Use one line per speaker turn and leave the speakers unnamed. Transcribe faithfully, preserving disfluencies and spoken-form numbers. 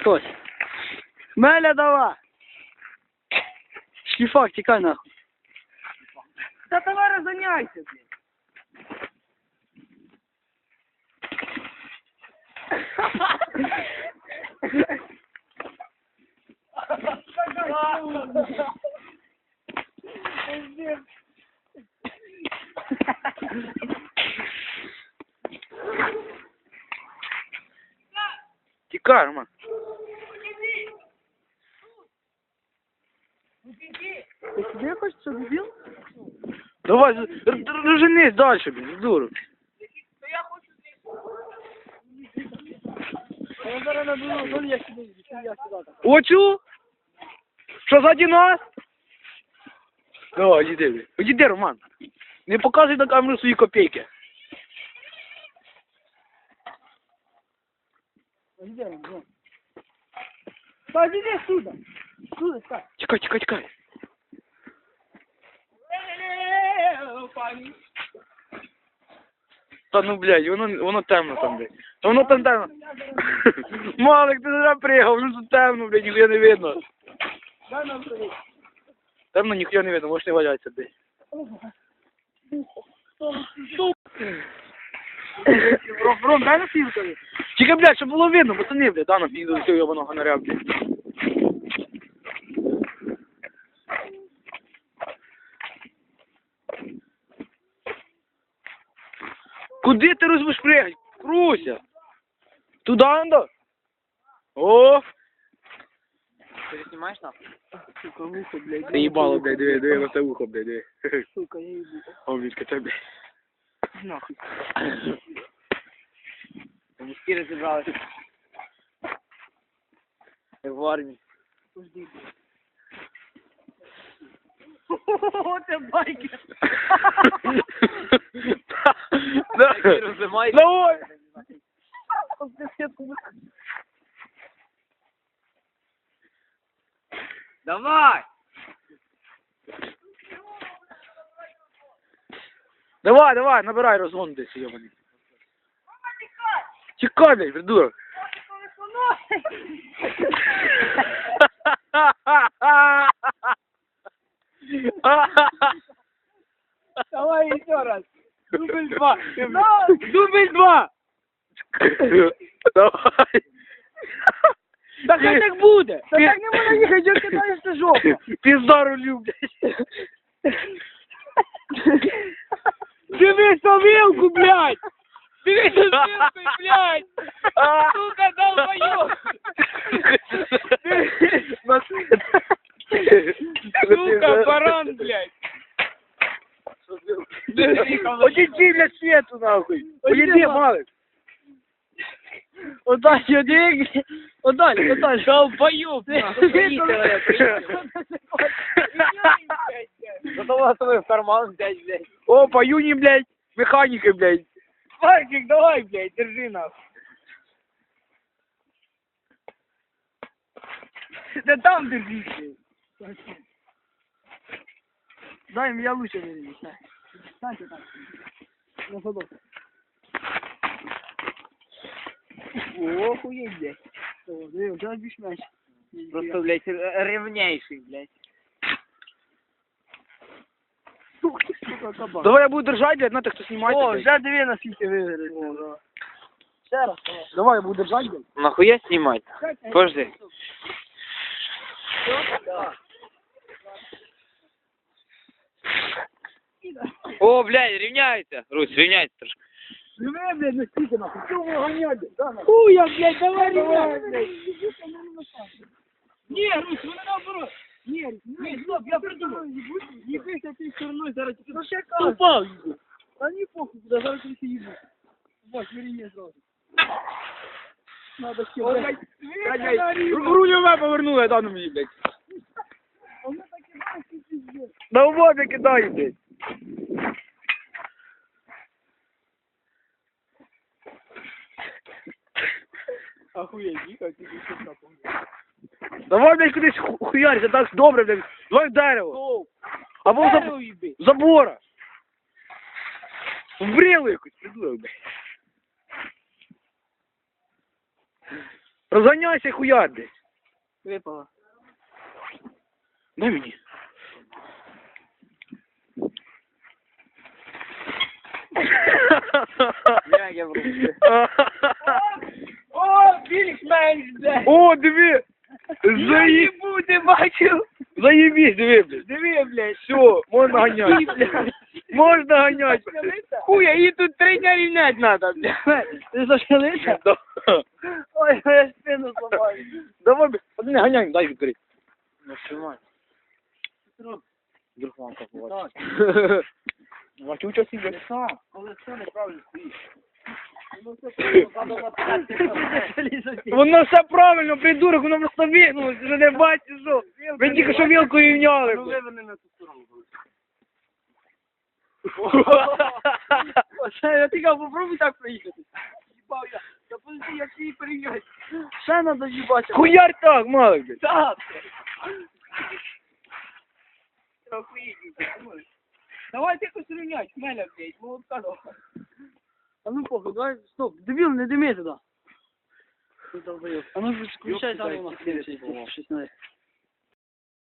хтось. Меля, давай. Шліфак, тікай нахуй.
Та давай розганяйся, блядь.
Тікай, Роман.
Ти сюди хочеш, що дебіл?
Давай, розженись далі, блін, дура.
Я зараз наберу, зон я сюди, я сюди.
Оцю? Що, ззаді нас? Давай, іди, блін. Іди, Роман. Не показуй на камеру свої копійки.
Іди, Роман. Та іди сюди. Сюди, так.
Чекай, чекай, чекай. Та ну, блядь, воно, воно темно там, блядь. Та воно там темно. Малик, ти не приїхав, воно тут темно, блядь, ніхуя не видно.
Дай нам привіт.
Темно, ніхуя не видно, можеш не валяться, блядь.
Ром, Ром, дай на фільтрові.
Чекай, блядь, щоб було видно, пацани, блядь, да, на піду до цього ебаного фонаря, блядь. Куди ти розбиш пригать? Круся! Туда надо? О!
Ти знімаєш нахуй? Сука, вухо, блядь.
Ти їбало, блядь, диви, диви на це вухо, блядь, диви.
Сука, я їбу.
О, блядь, це, блядь.
Нахуй. Мужики розібралися. Як в армії. Пожди, блядь. О, це байкер.
Давай! Давай!
Давай!
Давай, давай, набирай розгон десь, йобаний. Чекай, блядь, придурок.
Давай еще раз. Дубль два. Дубль два.
Давай.
Так хай так буде. Та так не можна їхати, що кидаєшся жопа.
Пізда рулю, блядь.
Дивись на вилку, блядь. Дивись на вилку, блядь. Сука, долбоёб. Сука, баран, блядь.
Одійди для світу, нахуй. Одійди, Малик.
Отдай, один. Отдай, отдай. Долбоёб, нахуй. Приїхали, приїхали. Готова свой в карман взять, блядь.
О, по юни, блядь, механики, блядь.
Варкик, давай, блядь, держи нас. Да там держи, блядь. Дай, меня лучше держи. Станьте так. На ходок. О, охуеть, блядь. О, да, да, бишь мяч. Просто, блядь, ревнейший, блядь. Сука, кабан.
Давай я буду держать, блядь, на тех, кто снимает.
О, вже дві на світі виграли. Ще раз.
Давай я буду держать, блядь.
Нахуя снимать? Подожди. О, блядь, ревняется. Русь, ревняется трошки.
Живе, блядь, на світі, нахуй. Чого ви гоняєте? Хуя, блядь, давай, давай, блядь. Ні, Русь, вони наоборот. Ні, ні, стоп, я придумав. Їбися ти стороною, зараз тільки... Ну ще кажу. Упав, їбу. Та ні, похуй, куди, зараз тільки їбу. Вот, виріє зразу. Надо ще, блядь.
Рулеве повернули, я дану мені, блядь.
Воно таке, блядь, пиздец.
На воду кидаю, блядь.
Охуеть, їхав, тільки що капом.
Давай, блядь, кудись ху- хуярься, так добре, блядь. Давай в дерево.
Оу,
Або в
дерево
заб-
їби.
в забора. В брилу якусь, придурок, блядь. Розганяйся, хуяр десь.
Випала.
Дай мені.
Як я врубаю. О, більш-менш, блядь.
О, диви! Заї...
Ти бачив?
Заєбісь, диви, блядь.
Диви, блядь.
Все, можна ганяти. Можна ганяти.
Хуя, її тут три дня рівнять надо, блядь. Ти зашкалися?
Да.
Ой, я спину зламаю.
Давай, блядь, один ганяй, дай відкрити.
Ну, тримай.
Вдруг мамка
Так.
побачить. Мачуча сіга.
Сам, коли все неправильно стоїть. Ну, все правильно, треба написати.
Воно все правильно, придурок, воно просто вигнуло, ти ж не бачиш, що? Ви тільки що вілку рівняли.
Ну,
блядь.
виверни на ту сторону. Оце, я тільки попробуй так проїхати. Їбав я. Та подожди, як її перейняти. Ще треба їбати.
Хуяр так, малик, блядь.
Так. Давай ти якось рівняй, хмеля, блядь, молотка давай. А ну похуй, давай, стоп, дебіл, не дими туди. А ну включай там у нас щось надо.